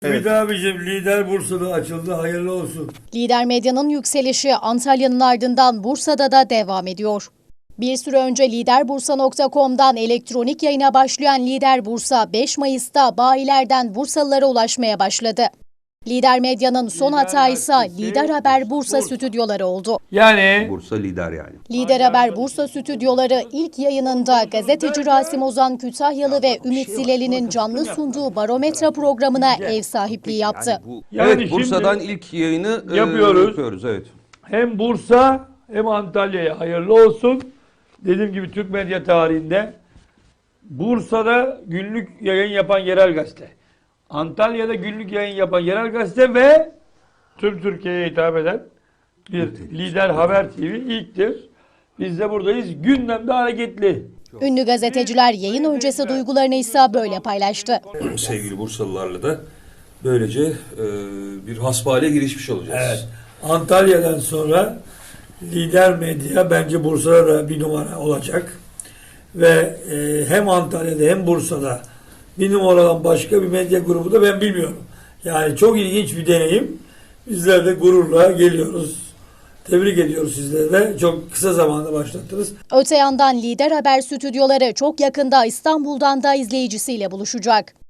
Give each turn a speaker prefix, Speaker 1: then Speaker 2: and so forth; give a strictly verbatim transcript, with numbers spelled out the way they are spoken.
Speaker 1: Evet.
Speaker 2: Ümit abicim, Lider Bursa'da açıldı, hayırlı olsun.
Speaker 3: Lider Medya'nın yükselişi Antalya'nın ardından Bursa'da da devam ediyor. Bir süre önce liderbursa nokta com'dan elektronik yayına başlayan Lider Bursa beş Mayıs'ta bayilerden Bursalılara ulaşmaya başladı. Lider Medya'nın son
Speaker 2: Lider
Speaker 3: hatağı ise
Speaker 2: Gazetesi,
Speaker 3: Lider Haber Bursa,
Speaker 2: Bursa.
Speaker 3: stüdyoları oldu.
Speaker 2: Yani
Speaker 1: Bursa lider yani.
Speaker 3: Lider Haber Bursa stüdyoları ilk yayınında gazeteci Rasim Ozan Kütahyalı ve Ümit Zileli'nin canlı sunduğu Barometre programına ev sahipliği yaptı.
Speaker 1: Yani bu,
Speaker 2: Yani
Speaker 1: evet, Bursa'dan
Speaker 2: şimdi
Speaker 1: ilk yayını e,
Speaker 2: yapıyoruz.
Speaker 1: yapıyoruz. Evet.
Speaker 2: hem Bursa hem Antalya'ya hayırlı olsun. Dediğim gibi Türk medya tarihinde Bursa'da günlük yayın yapan yerel gazete, Antalya'da günlük yayın yapan yerel gazete ve tüm Türkiye'ye hitap eden bir Lider Haber T V ilktir. Biz de buradayız. Gündemde hareketli.
Speaker 3: Ünlü gazeteciler yayın öncesi duygularını ise böyle paylaştı.
Speaker 4: Sevgili Bursalılarla da böylece e, bir hasbihale girişmiş olacağız.
Speaker 5: Evet. Antalya'dan sonra Lider Medya bence Bursa'da da bir numara olacak. Ve e, hem Antalya'da hem Bursa'da bir numaradan başka bir medya grubu da ben bilmiyorum. Yani çok ilginç bir deneyim. Bizler de gururla geliyoruz. Tebrik ediyoruz sizleri de. Çok kısa zamanda başlattınız.
Speaker 3: Öte yandan Lider Haber stüdyoları çok yakında İstanbul'dan da izleyicisiyle buluşacak.